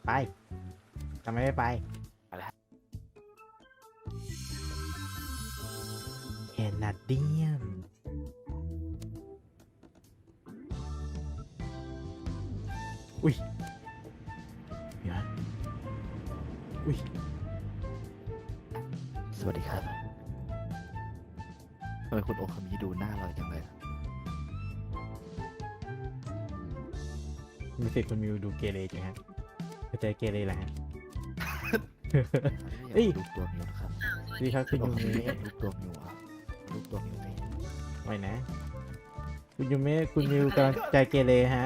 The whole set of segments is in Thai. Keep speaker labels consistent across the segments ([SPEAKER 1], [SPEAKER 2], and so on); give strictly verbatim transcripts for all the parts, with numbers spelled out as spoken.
[SPEAKER 1] ไปทำไมไม่ไป
[SPEAKER 2] อะไร
[SPEAKER 1] แคนาเดียนอุ้ยเดี๋ยวนะอุ้ย
[SPEAKER 2] สวัสดีครับทำไมคุณโอคามิดูหน้าเราจังเลย
[SPEAKER 1] มีสิทธิ์คุณมิวดูเกเรจังฮะเข้าใจเกเรแหละฮะ เอ้
[SPEAKER 2] เอ้
[SPEAKER 1] ย
[SPEAKER 2] ยรูปตัวมิวนะครับ
[SPEAKER 1] ดีครับคุณ
[SPEAKER 2] โอ
[SPEAKER 1] ยู
[SPEAKER 2] คามิ
[SPEAKER 1] เมะ
[SPEAKER 2] รูปตัวมิวอ่ะรูปตัวมิวไหม
[SPEAKER 1] ไว้นะ คุณยูเมะคุณมิวกำลังใจเกเรฮะ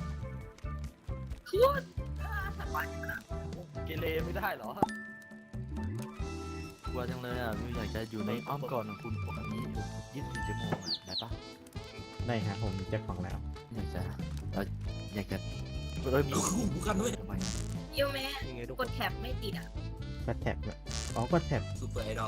[SPEAKER 3] เกเรไม่ได้เหรอ
[SPEAKER 2] กลัวจังเลยอ่ะมิวอยากจะอยู่ในอ้อมกอดของคุณโอคามิอยู่ยี่สิบสี่ชั่วโมงอ่ะได้ปะ
[SPEAKER 1] ได้ฮะผมมีแจ็คของแล้ว
[SPEAKER 2] อยากจะเราอยากจะเอ้ยมีมีกันด้วยทำไม
[SPEAKER 4] ยูเมะ
[SPEAKER 3] ยังไงทุก
[SPEAKER 4] ก
[SPEAKER 3] ค
[SPEAKER 4] ด
[SPEAKER 3] น
[SPEAKER 4] แท็บไม่ติดอ่ะ
[SPEAKER 1] ก็แท็บอะอ๋อก็แท็บ
[SPEAKER 5] ซูเปอร์ไอดอล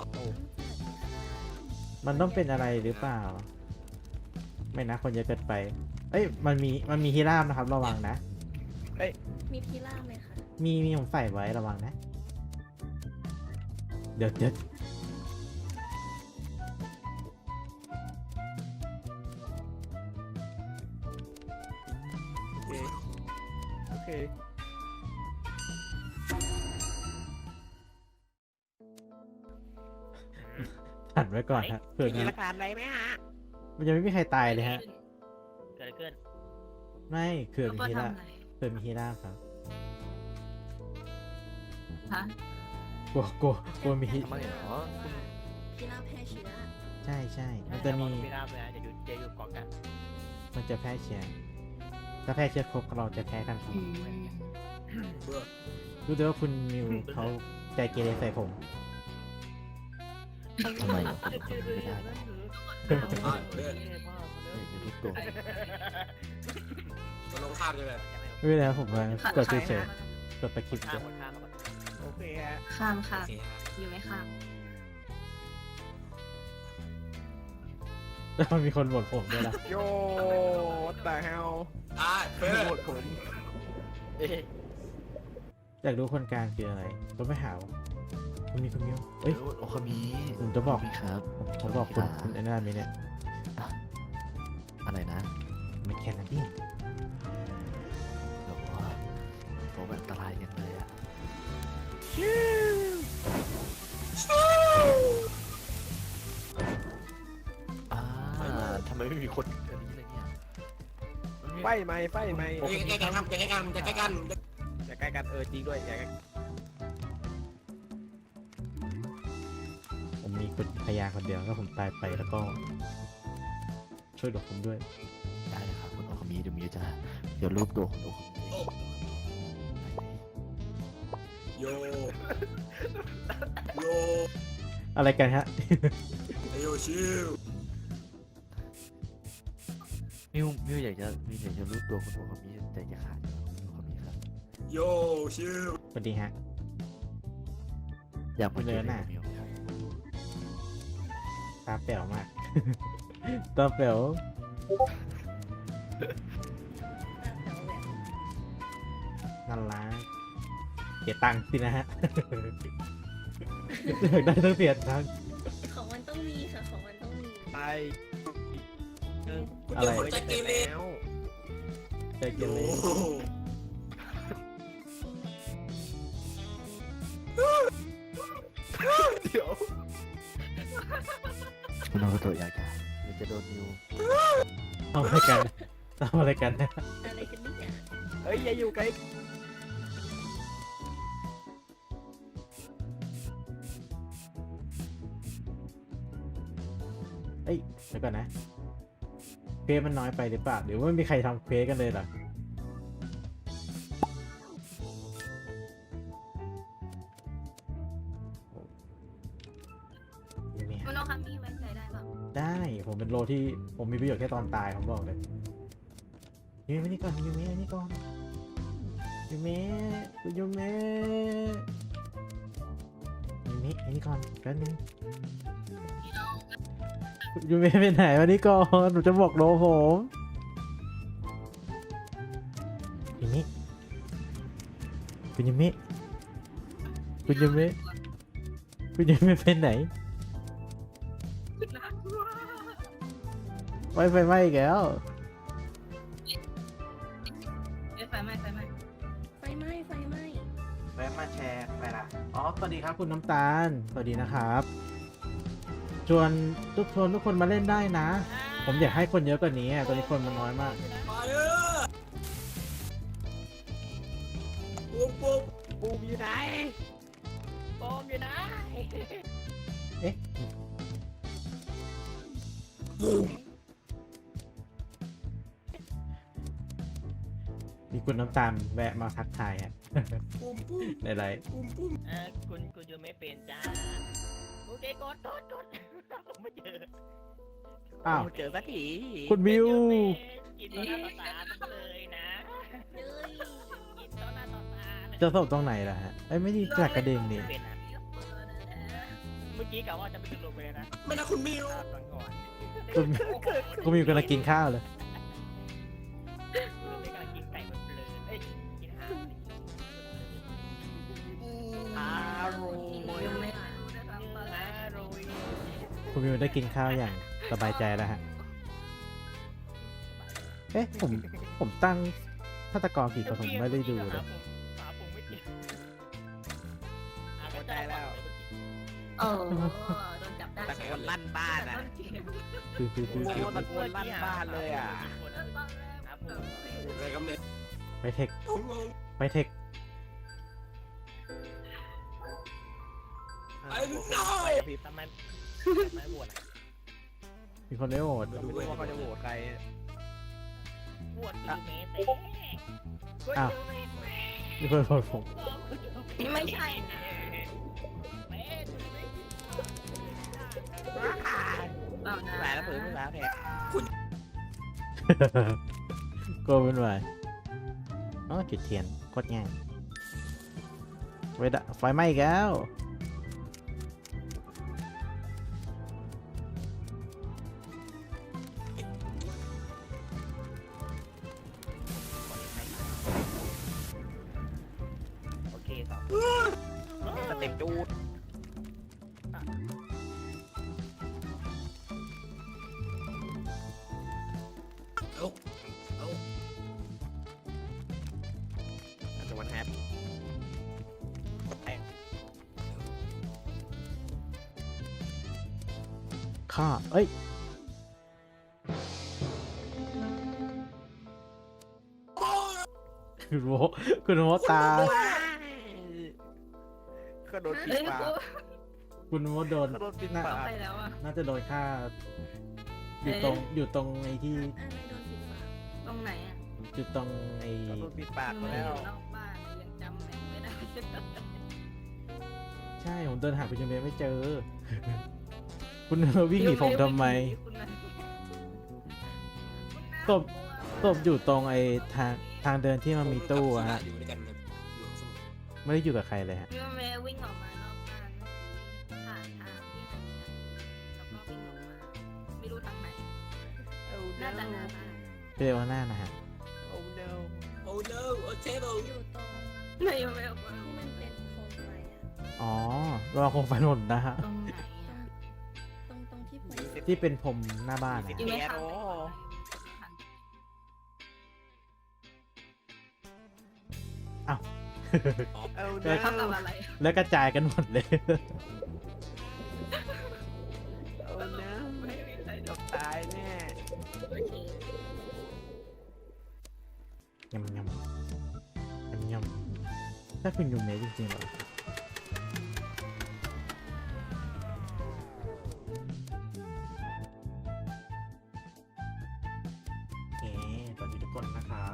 [SPEAKER 1] มันต้องเป็นอะไรหรือเปล่า ไม่นะคนเยอะเกินไป เอ้ยมันมีมันมีฮีราบนะครับระวังนะ
[SPEAKER 4] มีพีล่าไหมคะ
[SPEAKER 1] มีมีผมใส่ไว้ระวังนะ เดี๋ยวเดี๋ยว
[SPEAKER 3] โอเค
[SPEAKER 1] หันไว้ก่อนฮะเผื่อ
[SPEAKER 3] มี
[SPEAKER 1] นะ
[SPEAKER 3] หลักฐานอะไรไหมฮะ
[SPEAKER 1] มันยังไม่มีใครตายเลยฮะ
[SPEAKER 3] เกิดอะไรขึ้น
[SPEAKER 1] ไม่เผื่อ
[SPEAKER 4] แล้ว
[SPEAKER 1] มี
[SPEAKER 4] ก็
[SPEAKER 1] ฮีรา
[SPEAKER 4] ทำอะไร
[SPEAKER 1] เผื่อมีฮีราครับ
[SPEAKER 4] ฮะ
[SPEAKER 1] กลัวกลัวกลัวมีฮี
[SPEAKER 2] ทำไมเหรอคุณ
[SPEAKER 4] พีล่าแพร่เชื้อ
[SPEAKER 1] ใช่ใช่มันจะมี
[SPEAKER 3] ไม่ได้เลยนะจะอยู่จะอยู่เกาะกัน
[SPEAKER 1] มันจะแพร่เชื้อถ้าแพร่เชื้อครบเราจะแพ้ทันที
[SPEAKER 5] เบื่อ
[SPEAKER 1] รู้เลยว่าคุณมิวเขาใจเกเรใส่ผม
[SPEAKER 2] ทำไมเหรอคุณโอคามิไม่ได้เหรอ
[SPEAKER 5] อ่ะเลือด
[SPEAKER 2] อยากจะรูปตัว
[SPEAKER 5] มันลงข้ามใช่ไหม
[SPEAKER 1] ไม่เป็นไรครับผมมากดเฉยๆกดตะคริป
[SPEAKER 3] ข้า
[SPEAKER 1] เฉ
[SPEAKER 3] ม
[SPEAKER 1] ย
[SPEAKER 3] ข้ามโอเคฮะ
[SPEAKER 4] ข้ามค่ะ
[SPEAKER 5] โอเคฮะ
[SPEAKER 4] ยูไม่ข้าม
[SPEAKER 1] แล้วมันมีคนบ่นผมด้วยนะ
[SPEAKER 3] โย่ตาเฮา
[SPEAKER 5] อ่ะเพื่อ
[SPEAKER 3] โหดผมเอ๊ะ
[SPEAKER 1] อยากรู้คนกลางคืออะไรต้องไม่หาวคุณมีคุณมิวเอ้ย
[SPEAKER 2] โอคามิ
[SPEAKER 1] ผมจะบอก
[SPEAKER 2] โคามิครับ
[SPEAKER 1] ผมบอกคุณคุณไอ้นั่นมีเนี่ย
[SPEAKER 2] อะไรนะ
[SPEAKER 1] มันแคนาเดียน
[SPEAKER 2] แบบว่าผมอันตรายกันเลยอ่ะอ่าทำไมไม่มีคนอันนี้เลยเนี่ย
[SPEAKER 3] ไฟไหมไฟไหม
[SPEAKER 5] ใกล้ๆกันครับใกล้ๆกันใกล้ๆกัน
[SPEAKER 3] อย่าใกล้กันเออจริงด้วยอย่าใกล้
[SPEAKER 1] ผมมีคนพยาคนเดียวถ้าผมตายไปแล้วก็ ช่วยดอกผมด้วย
[SPEAKER 2] ได้เลยครับคุณโอคามิเดี๋ยวมิวจะเดี๋ยวรูปตัวคุณโอคามิ
[SPEAKER 5] โยโย
[SPEAKER 1] อะไรกันฮะ
[SPEAKER 5] โยชิว
[SPEAKER 2] มิวมิวอยากจะมิวอยากจะรูปตัวคุณโอคามิใจจะขาดอยู่คุณโอคามิครับ
[SPEAKER 5] โยชิว
[SPEAKER 1] สวัสดีฮะ
[SPEAKER 2] อยากมาเจอ
[SPEAKER 1] เดินหน้า
[SPEAKER 2] มิวครับ
[SPEAKER 1] ตาแป๋วมาก ตาแป๋วนั่นละเสียตังค์สินะฮะ อยากได้ต้องเสียตังค์
[SPEAKER 4] ของมันต้องมีค่ะ ของมันต้องมี
[SPEAKER 3] ไปหนึ่ง
[SPEAKER 1] อะไร
[SPEAKER 5] คนใจเกเร
[SPEAKER 3] แล้ว
[SPEAKER 1] ใจเก
[SPEAKER 5] โย
[SPEAKER 1] เร
[SPEAKER 3] เดี๋ยว
[SPEAKER 2] คุณโอคาโตะอยากจะอยากจะโดนมิว
[SPEAKER 1] ทำอะไรกันทำอะไรกันนะ
[SPEAKER 4] อะไรกันเนี่ย
[SPEAKER 3] เฮ้ยอย่าอยู่ใกล้
[SPEAKER 1] เอ้ยเดี๋ยวก่อนนะเควสมันน้อยไปหรือเปล่าหรือว่าไม่มีใครทำเควสกันเลยเหรอไม่มี
[SPEAKER 4] มันต้องทำนี่ไว้ใจได้เปล่า
[SPEAKER 1] ได้ผมเป็นโลที่ผมมีประโยชน์แค่ตอนตายผมบอกเลยยูเมะนี่ก่อนยูเมะนี่ก่อนยูเมะคุณยูเมะยูเมะอันนี้ก่อนแป๊บนึงคุณยูเมะไปไหนวันนี้ก่อนหนูจะบอกโลผมยูเมะคุณยูเมะคุณยูเมะคุณยูเมะเป็นไหนไฟไฟไหม้อีกแล้ว
[SPEAKER 6] เอ้ยไฟไหม้ไฟไหม้
[SPEAKER 4] ไฟไหม้ไฟไหม้
[SPEAKER 1] แวะมาแชร์ไปละอ๋อสวัสดีครับคุณน้ำตาลสวัสดีนะครับชวนทุกคนทุกคนมาเล่นได้นะ ผมอยากให้คนเยอะกว่านี้อะตอนนี้คนมันน้อยมาก
[SPEAKER 5] มาเออปุ๊บปุ๊บ
[SPEAKER 3] ปูมอยู่ไหนปูมอยู่ไหน
[SPEAKER 1] เอ๊ะ
[SPEAKER 5] ปุ๊บ
[SPEAKER 1] มีคุณน้ำตาลแวะมาทักทายฮะ
[SPEAKER 5] ปุ๊บปุ๊บ
[SPEAKER 1] ในไลฟ์
[SPEAKER 5] ปุ๊บปุ๊บ
[SPEAKER 3] เออคุณคุณจะไม่เป็นจ้าโอเคกดกดกดผมไม่เจอ
[SPEAKER 1] อ้าว
[SPEAKER 3] ผมเจอสักที
[SPEAKER 1] คุณมิว
[SPEAKER 3] กินต่อหน้าต่อตาเลยนะ
[SPEAKER 4] เอ้ย
[SPEAKER 3] กินต่อหน้าต่อตาเลย
[SPEAKER 1] จะสบตรงไหนล่ะฮะไอ้ยไม่ดีจากกระเด็นนี่
[SPEAKER 3] เป็นนะเมื่อกี้กะว่าจะไปจุดลงไปเลยนะ
[SPEAKER 5] ไม่นะคุณมิว
[SPEAKER 3] ตอนก่อน
[SPEAKER 1] คุณคุณมิวกำลังกินข้าวเลย
[SPEAKER 3] ไม่กำลังกินไก่แบบเลยเอ้ยกินอาหารอร่อย
[SPEAKER 6] ยังไม่รู้นะครับ
[SPEAKER 3] อ
[SPEAKER 6] ว่าอะไร
[SPEAKER 3] ร่อย
[SPEAKER 1] คุณมิวได้กินข้าวอย่างสบายใจแล้วฮะเอ๊ะผมผมตั้งฆาตกรกี่คนผมไม่ได้ดูเลย
[SPEAKER 3] หาผมไม่เจอหาไม่ได้แล้ว
[SPEAKER 6] โอ้โดนจับได้
[SPEAKER 3] ตะโกนลั่นบ้านอ่ะ
[SPEAKER 1] คือคือคือ
[SPEAKER 3] โอ้
[SPEAKER 1] คือ
[SPEAKER 3] โหตะโกนลั่นบ้านเลยอ่ะ
[SPEAKER 5] อะไรกันเนี่ย
[SPEAKER 1] ไปเทค
[SPEAKER 5] โอ้โห
[SPEAKER 1] ไปเทค
[SPEAKER 3] ไอ้น้อยพี่ทำไมไม่โหวต
[SPEAKER 1] มีคนได้โหวต
[SPEAKER 3] ไม่รู้ว่าเขาจะโหวตใครโหวตยูเมเต้
[SPEAKER 1] อ้าวมีคนโหวตผม
[SPEAKER 6] นี่ไม่ใช่นะ เปล่านะ
[SPEAKER 3] หลายแล้วเผื่อไม่แล้วแทน
[SPEAKER 1] ก็เป็นไรอ๋อจุดเทียนโคตรง่ายไฟดะไฟไหม้อีกแล้ว
[SPEAKER 3] โอเคต่อสเต็ปจูด
[SPEAKER 5] เอาเอา
[SPEAKER 3] อาจจะวันแฮป
[SPEAKER 1] ข้าเอ้ย คุณโมคุณโมตา
[SPEAKER 3] ก็โดนปิด
[SPEAKER 6] เอ้ย
[SPEAKER 3] ปาก
[SPEAKER 6] กู
[SPEAKER 1] คุณโมโดน
[SPEAKER 3] ก็โดนปิด
[SPEAKER 1] น่า
[SPEAKER 3] ปาก
[SPEAKER 6] ไปแล้วอ่ะ
[SPEAKER 1] น่าจะโดนฆ่า อยู่ตรงอยู่ตรงไอ้ที่
[SPEAKER 4] อะไรโดนปิดปาก
[SPEAKER 6] ตรงไหนอ่ะ
[SPEAKER 1] อยู่ตรงไอ้
[SPEAKER 3] ก็โดนปิดปาก
[SPEAKER 6] อ
[SPEAKER 3] มา
[SPEAKER 6] ยู่
[SPEAKER 3] แล้ว
[SPEAKER 6] นอกบ้านยังจำแหล่งไม่ได้
[SPEAKER 1] ใช่ผมเดินหาคุณยูเมะไม่เจอ คุณวิ่งหนีผมทำไม
[SPEAKER 6] คุณน่ะ
[SPEAKER 1] ตบ ศพอยู่ตรงไอ้ทางทางเดินที่มันมีตู้อะฮะ
[SPEAKER 5] อยู่ด้วยกันครับอยู่สมุทร
[SPEAKER 1] ไม่ได้อยู่กับใครเลยฮะ
[SPEAKER 6] พี่แม่วิ่งออกมานอกบ้านผ่านทางที่มันมีแล้วก็วิ่งออกมา ไม่รู้ทางไหนน่าจะหน้าบ้าน
[SPEAKER 1] เจอว่าหน้านะฮะ
[SPEAKER 3] โอ้ no
[SPEAKER 5] โอ้ no โอ้เทเบิล
[SPEAKER 4] อยู่ตรง
[SPEAKER 6] ไม่ไม่ออกมา
[SPEAKER 4] ที่มันเป็นโคมไฟอ่ะ
[SPEAKER 1] อ๋อระวังคงไฟหล่นนะฮะ
[SPEAKER 6] ตรงไหนอ่ะ
[SPEAKER 4] ตรงตรงที่ผม
[SPEAKER 1] ที่เป็นผมหน้าบ้านนะ
[SPEAKER 6] อยู่
[SPEAKER 1] ฮะ
[SPEAKER 6] ไม่ทัน
[SPEAKER 1] อ้าว
[SPEAKER 3] โอ้
[SPEAKER 1] เออ
[SPEAKER 6] เขาทำอะไร
[SPEAKER 1] แล้วกระจายกันหมดเลย
[SPEAKER 3] โอ้ no
[SPEAKER 6] ไม่มีใคร
[SPEAKER 3] จบตายแน่
[SPEAKER 6] โอเค
[SPEAKER 1] ยำยำยำยำถ้าคุณยูเมะจริงๆเหรอโอเคสวัสดีทุกคนนะครับ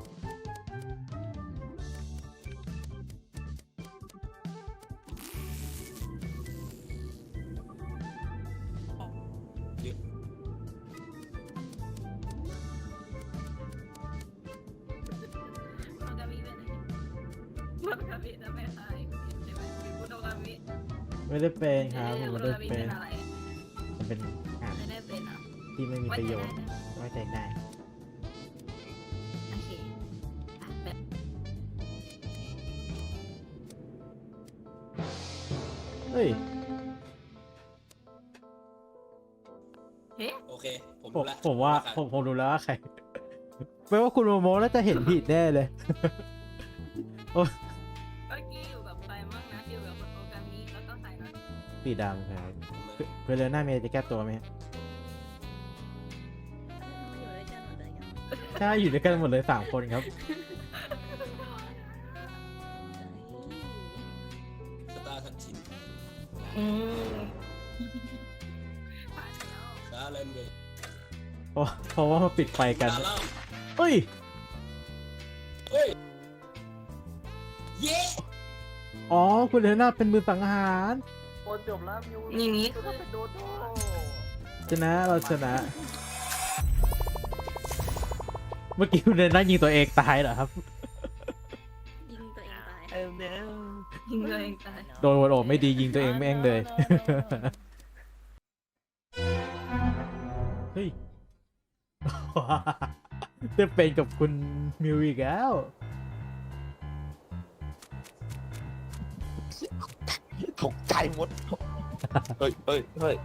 [SPEAKER 6] โนกามิไปไหนโนกามิจะไม่หายใช่ไหมคุณโนกามิ
[SPEAKER 1] ไม่ได้เป็นครับผมไม่ได้
[SPEAKER 6] โนกามิ
[SPEAKER 1] เป็
[SPEAKER 6] เป็น นอะไร
[SPEAKER 1] มันเป็นงาน
[SPEAKER 6] ไม่ได้เป็นอ่ะ
[SPEAKER 1] ที่ไม่มีประโยชน์ไว้ใจได้
[SPEAKER 6] โอเคอ่ะแบบ
[SPEAKER 1] เฮ้ย
[SPEAKER 6] เฮ้
[SPEAKER 5] โอเค ผม
[SPEAKER 1] ผม
[SPEAKER 5] รู้แล้ว
[SPEAKER 1] ผมว่า
[SPEAKER 5] ใคร
[SPEAKER 1] ผมผมรู้แล้วว่าใครแปลว่าคุณโมโมน่าจะเห็นผิดแน่เลย
[SPEAKER 6] เมื่อกี้อยู่กับใครมั่งนะอยู่กับโปรแกรมนี้แล้วก็ใครนะ
[SPEAKER 1] สีดำครับ
[SPEAKER 5] ผมเลย
[SPEAKER 1] เพื่อนเลน่าเมย์จะแก้ตัวไหม
[SPEAKER 4] ทำไมอยู่ด้วยกันหมดเลยกัน
[SPEAKER 1] ใช่อยู่ด้วยกันหมดเลยสามคนครับ
[SPEAKER 5] สตาร์ทันชิน
[SPEAKER 6] อืม
[SPEAKER 5] สตาร์เลนเวย์
[SPEAKER 1] เพราะเพราะว่ามาปิดไฟกัน
[SPEAKER 5] ตาเล่า
[SPEAKER 1] เฮ้ย
[SPEAKER 5] เฮ้ย เย้
[SPEAKER 1] อ๋อ คุณเลน่าเป็นมือสังหาร
[SPEAKER 2] โอ้จบแล้วมิว
[SPEAKER 6] อย่างนี้
[SPEAKER 2] ก็เป็นโดโต้
[SPEAKER 1] ชนะเราชนะ เมื่อกี้คุณเลน่ายิงตัวเองตายเหรอครับ
[SPEAKER 4] ยิงตัวเองตาย
[SPEAKER 2] เออเน
[SPEAKER 6] ยิงตัวเองตาย
[SPEAKER 1] โดนวนโอบไม่ดียิงตัวเองแม่งเลย เฮ้ย จะเป็นกับคุณมิวอีกแล้ว
[SPEAKER 2] ตกใจหมด เฮ้ยเฮ้ยเฮ้ย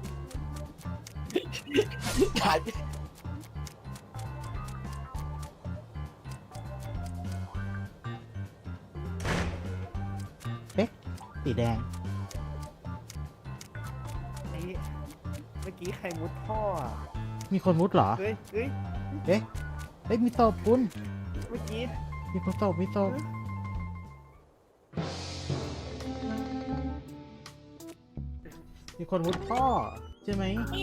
[SPEAKER 2] กลายเป็น
[SPEAKER 1] สีแดง
[SPEAKER 7] ไอ้เมื่อกี้ใครมุดท่ออะ
[SPEAKER 1] มีคนมุดเหรอ
[SPEAKER 7] เฮ้ยเฮ้ย
[SPEAKER 1] เอ๊ะเอ้ยมีศพคุณ
[SPEAKER 7] เมื่อกี้
[SPEAKER 1] มีคนศพมีศพมีคนมุดท่อใช่ไหม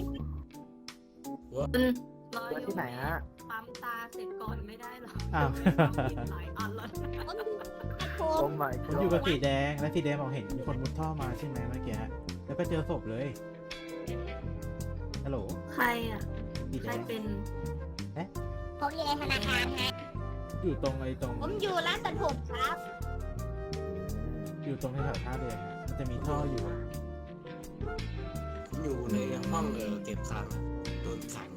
[SPEAKER 6] คุณรออยู่
[SPEAKER 2] ที่ไหนฮะ
[SPEAKER 6] ปั๊มตาเสร็จก่อนไม่ได้หรอ
[SPEAKER 1] อ้าว
[SPEAKER 6] หลายอันแล้ว
[SPEAKER 2] โอ้ my
[SPEAKER 1] ผมอยู่กับสีแดงและสีแดงบอกเห็นมีคนมุดท่อมาใช่ไหมเมื่อกี้แล้วก็เจอศพเลยฮัลโหล
[SPEAKER 6] ใครอ่ะ
[SPEAKER 1] สี
[SPEAKER 6] ใค
[SPEAKER 1] แด
[SPEAKER 6] รง เป็น
[SPEAKER 8] ผมอยู่ในธนาคารฮะ
[SPEAKER 1] อยู่ตรงไอ้ตรง
[SPEAKER 8] ผมอยู่ร้านตัดผมครับ
[SPEAKER 1] อยู่ตรงแถวท่าเรือฮะมันจะมีท่ออยู่
[SPEAKER 5] ผมอยู่ในห้องเออเก็บคลังโดนขัง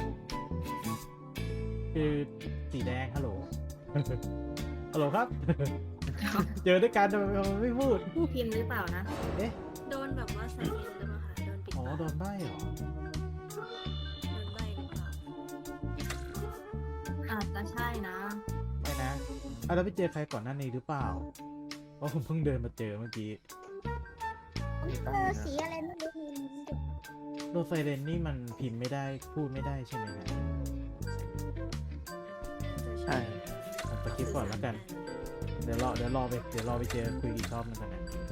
[SPEAKER 1] คือสีแดงฮัลโหล ฮัลโหลครับ เจอด้วยกันทำไมมันไม่พูด
[SPEAKER 6] ผู้พิมพ์หรือเปล่านะ
[SPEAKER 1] เอ๊ะ
[SPEAKER 4] โดนแบบว่าใส่เงินหรือเปล่าคะโดนปิด
[SPEAKER 1] อ๋อ
[SPEAKER 4] ปาก
[SPEAKER 1] โดนใบ้เหรอ
[SPEAKER 4] โดนใบหรือเปล่า
[SPEAKER 6] อาจจะใช่นะ
[SPEAKER 1] ไม่นะอ่ะแล้วไปเจอใครก่อนหน้านี้หรือเปล่า เพราะผมเพิ่งเดินมาเจอเมื่อกี้
[SPEAKER 8] ผมเจอสีอะไรไม่รู้มี
[SPEAKER 1] โดนไซเรนนี่มันพิมพ์ไม่ได้พูดไม่ได้ใช่ไหมฮะ
[SPEAKER 2] ใช่
[SPEAKER 1] ผมสกิปก่อนแล้วกัน เดี๋ยวรอเดี๋ยวรอไปเดี๋ยวรอไปเจอคุยอีกรอบนึงกันนะ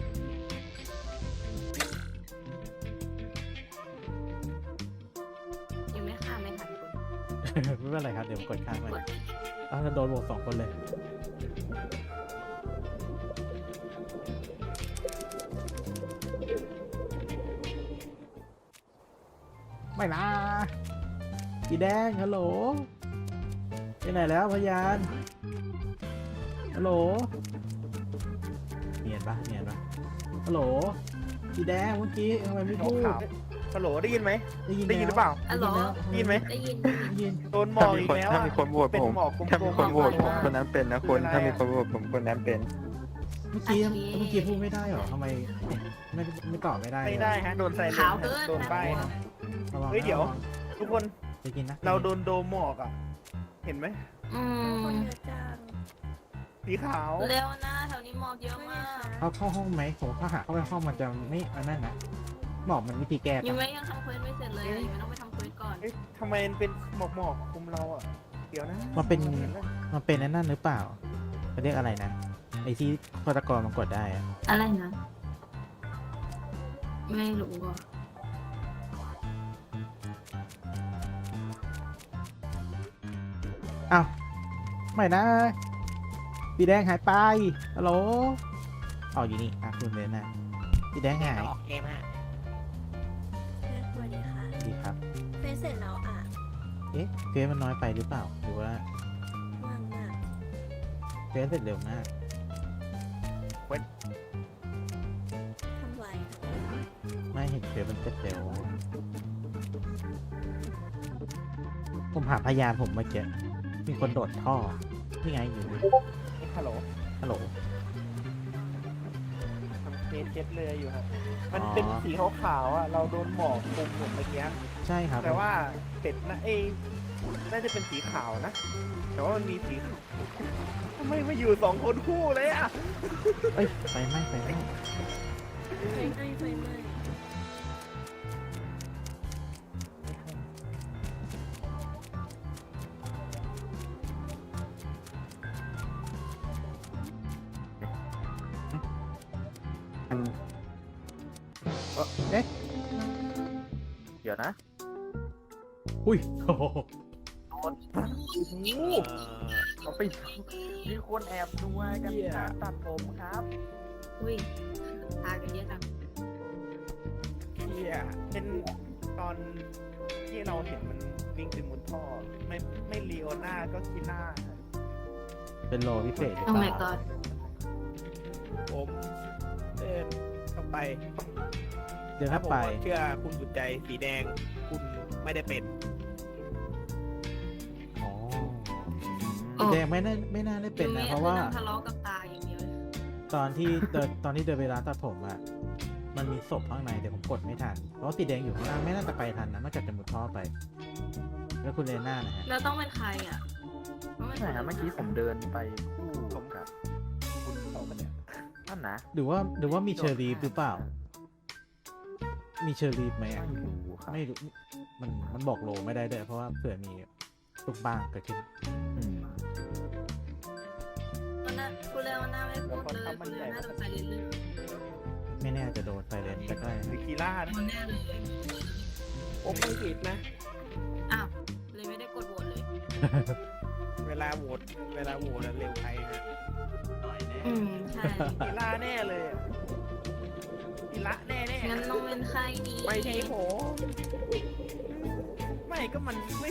[SPEAKER 6] ยังไม่ข้ามไม่ทันคุณ
[SPEAKER 1] ไม่เป็นไรครับ เดี๋ยวผมกดข้ามไปอ้าวแล้วโดนโหวตสองคนเลย ไม่นะสีแดงฮัลโหลไปไหนแล้วพยานฮัลโหลเนียนปะเนียนปะฮัลโหลสีแดงเมื่อกี้ทำไมไม่พูด
[SPEAKER 7] ขาวฮัลโหลได้ยินไหม
[SPEAKER 1] ได้ยิน
[SPEAKER 7] ได้ยินหรือเปล่า
[SPEAKER 6] ฮัลโหล
[SPEAKER 7] ได้ยินไหม
[SPEAKER 6] ได้ยิน
[SPEAKER 1] ได้ยิน
[SPEAKER 7] โดนหมอกอีกแล้ว
[SPEAKER 9] ถ้า
[SPEAKER 7] อะ
[SPEAKER 9] มีคนโหวต
[SPEAKER 7] เป็น
[SPEAKER 9] ผม
[SPEAKER 7] หมอกกลมๆ
[SPEAKER 9] ถ้ามีคนโหวตผม
[SPEAKER 7] อะ
[SPEAKER 9] คนนั้นเป็นนะคุณถ้ามีคนโหวตผมคนนั้นเป็น
[SPEAKER 1] เมื่อกี้เมื่อกี้พูดไม่ได้เหรอทำไมไม่ไม่ตอบไม่ได้
[SPEAKER 7] ไม่ได้ฮะโดนใส่เล
[SPEAKER 6] ขาว
[SPEAKER 7] น
[SPEAKER 6] เกิน
[SPEAKER 7] โดนป้ายฮะ
[SPEAKER 1] ระวังนะ
[SPEAKER 7] เฮ้ยเดี๋ยว
[SPEAKER 1] ระง
[SPEAKER 7] ทุกคน
[SPEAKER 1] ไปกินนะ
[SPEAKER 7] เราโดนโดมหมอกอ่ะ เห็นไหม
[SPEAKER 6] อื
[SPEAKER 4] ค
[SPEAKER 6] ม
[SPEAKER 4] นเยอะจัง
[SPEAKER 7] สีขาว
[SPEAKER 6] เร็วนะแถวนี้หมอกเยอะมาก
[SPEAKER 1] เขาเข้าห้องไหมผมถ้าหาเข้าไปห้องมันจะไม่อันนั้นนะบอกมันวิธีแก้
[SPEAKER 6] ยัง
[SPEAKER 1] ปะ
[SPEAKER 6] ไม่ยังทำเควสไม่เสร็จเลยยังไม่ต้องไปทำเควสก่อน
[SPEAKER 7] เอ๊ะทำไมมันเป็นหมอกหมอกๆคุมเราอ่ะ เดี๋ยวนะ
[SPEAKER 1] มันเป็น
[SPEAKER 7] ห็แล้ว
[SPEAKER 1] มันเป็นอันนั้นหรือเปล่าเขาเรียกอะไรนะไอที่ฆาตกรมันกดได้อะ
[SPEAKER 6] อะไรนะ ไม่รู้อ่ะ
[SPEAKER 1] อ้าวไม่นะสีแดงหายไปฮัลโหลอ๋ออยู่นี่อ่ะคุณเลยนะสีแดงหาย
[SPEAKER 3] ออกเกมฮะ
[SPEAKER 4] เฟซสวัสดีค่ะ
[SPEAKER 1] ดีครับ
[SPEAKER 4] เฟซเสร็จแล้วอ่ะ
[SPEAKER 1] เอ๊ะเฟซมันน้อยไปหรือเปล่าหรือว่า
[SPEAKER 4] ว่างมาก
[SPEAKER 1] เฟซเสร็จเร็วมาก
[SPEAKER 4] ทำไว
[SPEAKER 1] ไม่เห็นเฟซมันเสร็จเร็วผมหาพยานผมเมื่อกี้มีคนโดดท่อนี่ไงอยู่นี่
[SPEAKER 7] ฮัลโหล
[SPEAKER 1] ฮัลโหล
[SPEAKER 7] ทำเฟซเช็ดเลยอยู่ฮะมันเป็นสีขาวๆอ่ะเราโดนหมอกคลุมหมดเมื่อกี้
[SPEAKER 1] ใช่ครับ
[SPEAKER 7] แต่ว่าเป็ดนะเอ้ยน่าจะเป็นสีขาวนะ แต่ว่ามันมีสีขาวทำไมมาอยู่สองคนคู่เลยอ่ะ
[SPEAKER 1] เอ้ยไฟไหม้ไฟไหม้
[SPEAKER 4] ไฟไหม้ไฟไหม้
[SPEAKER 9] มัน
[SPEAKER 1] เอ๊ะ
[SPEAKER 2] เดี๋ยวนะ
[SPEAKER 1] อุ้ยโอ้โห
[SPEAKER 2] คนเขาไปมีคนแอบดูกันการตัดผมครับ
[SPEAKER 6] อุ้ยพากันเยอะจัง
[SPEAKER 7] เฮียเป็นตอนที่เราเห็นมันวิ่งไปมุนท่อ ไม่ไม่ลีโอน่าก็คีน่า
[SPEAKER 1] เป็นโลพิเศษหรือ
[SPEAKER 6] โอ้
[SPEAKER 1] เป
[SPEAKER 6] my
[SPEAKER 1] ล่า
[SPEAKER 6] god
[SPEAKER 7] ผมเดินเข้าไป
[SPEAKER 1] เดี๋ยว
[SPEAKER 7] ถ้า
[SPEAKER 1] ถ้า
[SPEAKER 7] ผม
[SPEAKER 1] ไป
[SPEAKER 7] เชื่อคุณสุดใจสีแดง คุณไม่ได้เป็น
[SPEAKER 1] อ๋อ
[SPEAKER 6] โอ้
[SPEAKER 1] สีแดงไม่น่าไม่น่าได้เป็นนะ เพราะว่า
[SPEAKER 6] ทะเลาะกับตาอย่างเดียวเลย
[SPEAKER 1] ตอนที่เดินตอนที่เดินไปร้านตัดผมอะมันมีศพข้างในแต่ผมกดไม่ทัน เพราะว่าสีแดงอยู่ข้างหน้าไม่น่าจะไปทันนะนอกจากจะมุดท่อไป แล้วคุณเลน่านะฮะ
[SPEAKER 6] แล้วต้องเป็นใครอ่ะต้องเป็น
[SPEAKER 2] ใช่ครับ
[SPEAKER 6] ค
[SPEAKER 2] เมื่
[SPEAKER 6] น
[SPEAKER 2] อกี้ผมเดินไปคู่
[SPEAKER 7] ผม
[SPEAKER 2] กับคุณนั่นนะ
[SPEAKER 1] หรือว่าหรือว่ามีเชอรีฟหรือเปล่า มีเชอรีฟไหม
[SPEAKER 2] ไม่
[SPEAKER 1] อะ
[SPEAKER 2] รู้ครับ
[SPEAKER 1] ไม่รู้มันมันบอกโลไม่ได้ด้วยเพราะว่าเผื่อมีลูกบ้างเกิดขึ้น
[SPEAKER 2] อืม
[SPEAKER 6] วันนั้นคุณเลวหน้าไม่พูดเลยคุณเลวหน้าตกใจเลยลืม
[SPEAKER 1] ไม่แน่จะโดนไฟเลนใกล้ๆ
[SPEAKER 7] หรือ
[SPEAKER 1] นะ
[SPEAKER 7] คีล่า
[SPEAKER 6] โด
[SPEAKER 7] นะ
[SPEAKER 6] นแน่เลย
[SPEAKER 7] ผมไม่ผิดนะ
[SPEAKER 6] อ้าวเลยไม่ได้กดโหวตเลย
[SPEAKER 7] เวลาโหวตเวลาโหวตอะเร็วไปฮะ
[SPEAKER 6] อืมใช่
[SPEAKER 7] คีล่าแน่เลยอะคีล่าแน่แน่
[SPEAKER 6] งั้นต้องเป็นใครดี
[SPEAKER 7] ไม่ใช่ผมไม่ก็มันไม่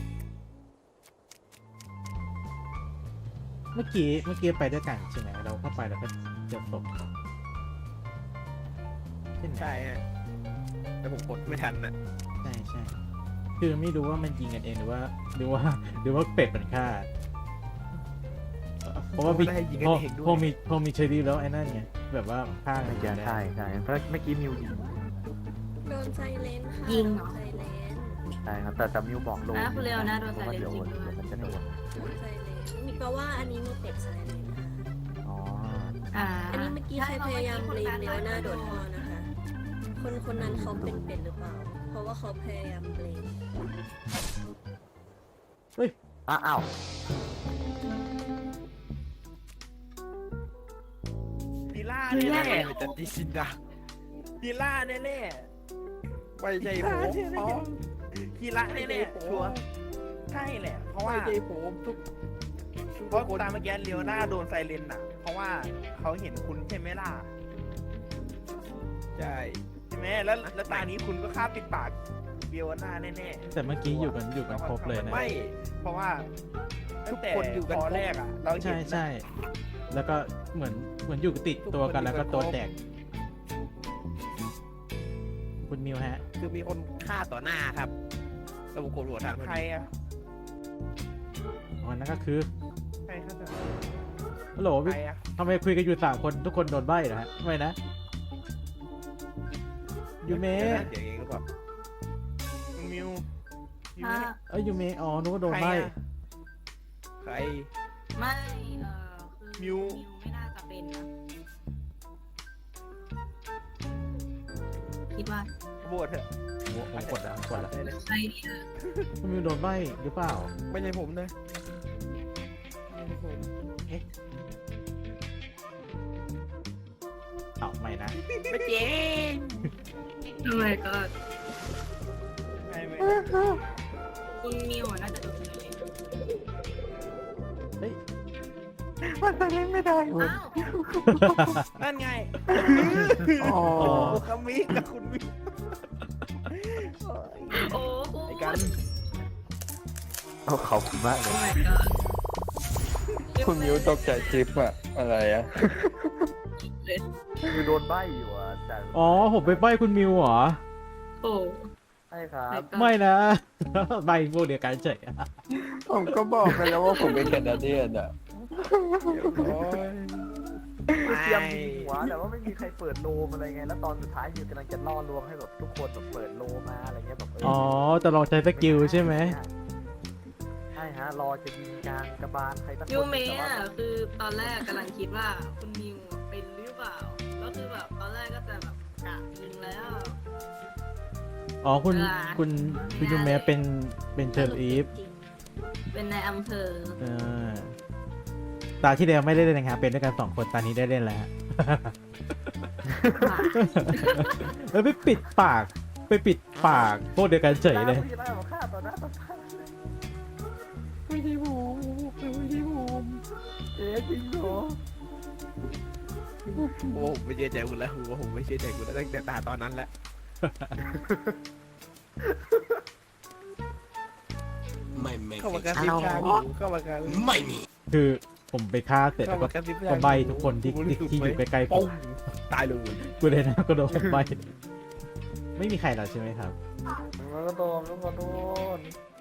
[SPEAKER 1] เมื่อกี้เมื่อกี้ไปด้วยกันใช่ไหมเราเข้าไปแล้วก็เจอศพใช่ไหม
[SPEAKER 7] ใช่ฮะแต่ผมกดไม่ทันนะ
[SPEAKER 1] ใช่ใช่คือไม่รู้ว่ามันยิงกันเองหรือว่า หรือว่า หรือว่าเป็ดมันฆ่าเพราะว่ามี
[SPEAKER 7] ได้ยิงกั
[SPEAKER 1] พ
[SPEAKER 7] น
[SPEAKER 1] อ
[SPEAKER 7] เองด้
[SPEAKER 1] พอ
[SPEAKER 7] วย
[SPEAKER 1] มีพอมีเชอรี่แล้วไอ้นั่นไงแบบว่าฆ่ากั
[SPEAKER 2] ไม่
[SPEAKER 1] น
[SPEAKER 2] ใช่
[SPEAKER 1] ได้
[SPEAKER 2] ใช่ใช่เพราะเมื่อกี้มิวยิง
[SPEAKER 4] โดนไซเลนค่ะ
[SPEAKER 6] ยิงเหรอ
[SPEAKER 4] โดนไซเลน
[SPEAKER 2] ใช่ครับแต่แต่มิวบอกโดน
[SPEAKER 6] อ่ะคุณเลวนะโดน
[SPEAKER 2] เพราะว่าเดี๋ยว
[SPEAKER 6] ใส่เลนส์จริงด้วย
[SPEAKER 2] เดี๋ยวมันจะโดน
[SPEAKER 4] โดนไซเลนมีแปลว่าอันนี้มีเป็ดไซเลนค่ะ
[SPEAKER 2] อ๋อ
[SPEAKER 6] อ่า
[SPEAKER 4] อันนี้เมื่อกี้ใครพยายามเบลมเลวหน้าโดดท่อนะคะ คนคนนั้นเขาเป็นเป็ดหรือเปล่า เพราะว่าเขาพยายามเบลม
[SPEAKER 2] อ้าวอ้าว
[SPEAKER 7] คีล่า
[SPEAKER 6] คือ
[SPEAKER 7] แน่
[SPEAKER 6] แย่
[SPEAKER 7] ๆจันจิชินดาคีล่าแน่ๆไม่ใช่ผมคีล่าแน่ๆชัวร์ใช่แหละ เพราะว่าไม่ใช่ผมทุกเพราะตามเมื่อกี้เลียวหน้าโดนไซเรนน่ะ เพราะว่าเขาเห็นคุณใช่ไหมล่ะใช่ใช่ไหมแล้วแล้วตานี้คุณก็ฆ่าปิดปากเลียวหน้าแน่ๆ
[SPEAKER 1] แต่เมื่อกี้อยู่กันอยู่กันครบเลยนะ
[SPEAKER 7] ไม่ เพราะว่าทุกคนอยู่กันพอแรกอ่ะ เราเห็
[SPEAKER 1] ใช่
[SPEAKER 7] น
[SPEAKER 1] ใช่แล้วก็เหมือนเหมือนอยู่ติดตัวกันแล้วก็ตัวแตกคุณมิวฮะ
[SPEAKER 7] คือมีคนฆ่าต่อหน้าครับระบบกดโหวตทางใครอ่ะ
[SPEAKER 1] อ๋อนั่นก็คือ
[SPEAKER 7] ใครฆ่าต่อ
[SPEAKER 1] ฮัลโหล
[SPEAKER 7] ใครอ่ะ
[SPEAKER 1] ทำไมคุยกันอยู่สามคนทุกคนโดนใบ้เหรอฮะทำไมนะยูเมะ
[SPEAKER 7] เดี๋ยวเองก็บอกคุณมิวยู
[SPEAKER 6] ถ้า
[SPEAKER 7] เมะ
[SPEAKER 1] เอ้ยยูเมะอ๋อนึกว่าโดน
[SPEAKER 7] ใคร
[SPEAKER 1] ใบ้
[SPEAKER 7] อะใคร
[SPEAKER 6] ไม่เออคือ
[SPEAKER 7] มิว
[SPEAKER 6] มิวไม่น่าจะเป็นนะคิดว่า
[SPEAKER 7] โหวตเถอะ
[SPEAKER 1] โอ้ผมกดแล้วผมกดแล้ว
[SPEAKER 7] ได้เลย
[SPEAKER 6] ใครดีนะ
[SPEAKER 1] คุณมิวโดนใบ้หรือเปล่า
[SPEAKER 7] ไม่ใช่ผมนะไม่ใช่ผม
[SPEAKER 1] เอ้าไม่นะ
[SPEAKER 7] ไม่จริง
[SPEAKER 6] ทำไมก็
[SPEAKER 7] ไม่ไม่
[SPEAKER 6] คุณมิวอะน่าจะโดนเลย
[SPEAKER 1] เฮ้ย
[SPEAKER 9] มันไปเล่นไม่ได้
[SPEAKER 6] อ้าว
[SPEAKER 7] นั่นไง
[SPEAKER 9] อ๋อ
[SPEAKER 7] คามิกับคุณมิว
[SPEAKER 6] โอ้โห
[SPEAKER 7] ไอ้กัน
[SPEAKER 2] โอ้ขอบคุณมากเลย
[SPEAKER 6] ทำไมก็
[SPEAKER 9] คุณมิวตกใจจิ๊บอะอะไรอะ
[SPEAKER 2] คือโดนใบ้อยู่อ่ะแต่
[SPEAKER 1] อ๋อผมไปใบ้คุณมิวเหรอ
[SPEAKER 6] โอ้
[SPEAKER 2] ใช่ครับ
[SPEAKER 1] ไม่นะ ใบ้พวกเดียวกันเฉย
[SPEAKER 9] ผมก็บอกไปแล้วว่าผมเป็นแคนาเดียนอะ
[SPEAKER 7] โอ้ย
[SPEAKER 2] เมื่อกี้
[SPEAKER 7] ยมยิงหัวแต่ว่าไม่มีใครเปิดโลมอะไรไงแล้วตอนสุดท้ายมิวกำลังจะล่อลวงให้แบบทุกคนแบบเปิดโลมาอะไรเงี้ยแบบเ
[SPEAKER 1] อ๋อจะลองใช้สกิลใช่ไหม
[SPEAKER 7] ใช่ฮะรอจะยิงกลางกระบาลใครสักคน
[SPEAKER 6] ยูเมะ
[SPEAKER 7] แต่ว่า
[SPEAKER 6] อ่ะคือตอนแรกกำลังคิดว่าคุณมิวเป็นหรือเปล่าก็คือแบบตอนแรกก็จะแบบกะยิงแล้ว
[SPEAKER 1] อ๋อคุณ
[SPEAKER 6] เวลา
[SPEAKER 1] คุณคุณยูเมะเป็นเป็นเชอร์ลีฟ
[SPEAKER 4] จริง
[SPEAKER 6] เป็นในอำเภอ
[SPEAKER 1] เออตาที่แล้วไม่ได้เล่นนะครับเป็นด้วยกันสองคนตานี้ได้เล่นแล้วฮะ แล้วไปปิดปากไปปิดปากพวกเดียวกันเฉยเลย
[SPEAKER 7] ไม่ได้บอกฆ่าต่อหน้าต่อตา
[SPEAKER 9] ไม่ใช่ผมไม่ใช่ผม
[SPEAKER 7] เอ๊ะจริงเหรอ
[SPEAKER 10] โอ้ผมไม่เชื่อใจคุณแล้วผมผมไม่เชื่อใจคุณแล้วตั้งแต่ตาตอนนั้นแหละ
[SPEAKER 5] ไม่ไม่
[SPEAKER 10] เข้ามากระซิบข้างหูเข้ามากระซิบ
[SPEAKER 5] ไม่มี
[SPEAKER 1] คือผมไปฆ่าเสร็จ
[SPEAKER 10] เข้า
[SPEAKER 1] แล้วก็
[SPEAKER 10] มากระซิบ
[SPEAKER 1] ก็ใบทุกคนที่ที่ที่อยู่ใกล้ๆผ
[SPEAKER 10] ปุ้
[SPEAKER 1] ม
[SPEAKER 10] งตายเลย
[SPEAKER 1] กูเลยนะก็โดนผมใบไม่มีใครแล้วใช่ไหมครับ
[SPEAKER 7] มันก็โดนมันก็โดน